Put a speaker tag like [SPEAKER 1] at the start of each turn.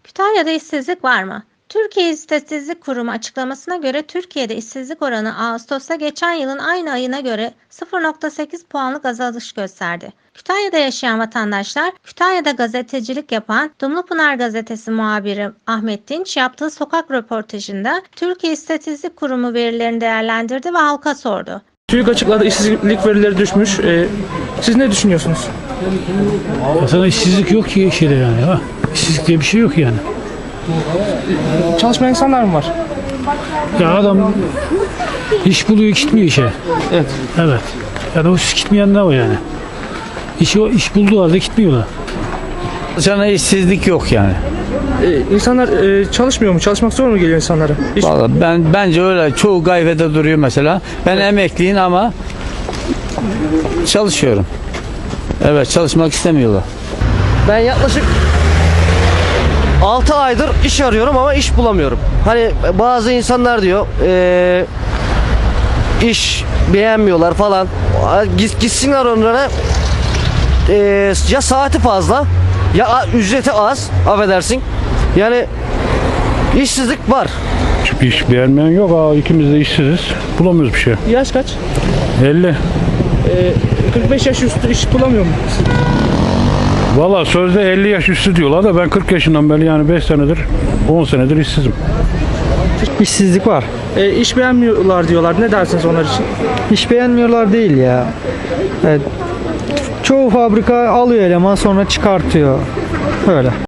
[SPEAKER 1] Kütahya'da işsizlik var mı? Türkiye İstatistik Kurumu açıklamasına göre Türkiye'de işsizlik oranı Ağustos'ta geçen yılın aynı ayına göre 0,8 puanlık azalış gösterdi. Kütahya'da yaşayan vatandaşlar, Kütahya'da gazetecilik yapan Dumlupınar Gazetesi muhabiri Ahmet Dinç yaptığı sokak röportajında Türkiye İstatistik Kurumu verilerini değerlendirdi ve halka sordu.
[SPEAKER 2] TÜİK açıkladı, işsizlik verileri düşmüş. Siz ne düşünüyorsunuz?
[SPEAKER 3] Aslında işsizlik yok ki şeyde yani. Ha? İşsizlik diye bir şey yok yani.
[SPEAKER 2] Çalışmayan insanlar mı var?
[SPEAKER 3] Ya adam iş buluyor gitmiyor işe.
[SPEAKER 2] Evet.
[SPEAKER 3] Evet. Ya da o gitmeyen ne o yani? İş bulduğu halde gitmiyorlar.
[SPEAKER 4] Sana işsizlik yok yani.
[SPEAKER 2] İnsanlar çalışmıyor mu? Çalışmak zor mu geliyor insanlara?
[SPEAKER 4] Vallahi bence öyle. Çoğu gayfede duruyor mesela. Ben emekliyim ama çalışıyorum. Evet, çalışmak istemiyorlar.
[SPEAKER 5] Ben yaklaşık 6 aydır iş arıyorum ama iş bulamıyorum. Hani bazı insanlar diyor iş beğenmiyorlar falan. Gitsinler onlara, ya saati fazla ya ücreti az, affedersin. Yani işsizlik var.
[SPEAKER 6] Çünkü iş beğenmeyen yok. İkimiz de işsiziz. Bulamıyoruz bir şey.
[SPEAKER 2] Yaş kaç?
[SPEAKER 6] 50.
[SPEAKER 2] 45 yaş üstü iş bulamıyor mu?
[SPEAKER 6] Valla sözde 50 yaş üstü diyorlar da ben 40 yaşından beri yani 5 senedir 10 senedir işsizim.
[SPEAKER 7] İşsizlik var.
[SPEAKER 2] İş beğenmiyorlar diyorlar. Ne dersiniz onlar için?
[SPEAKER 7] İş beğenmiyorlar değil ya. Evet. Çoğu fabrika alıyor eleman sonra çıkartıyor. Öyle.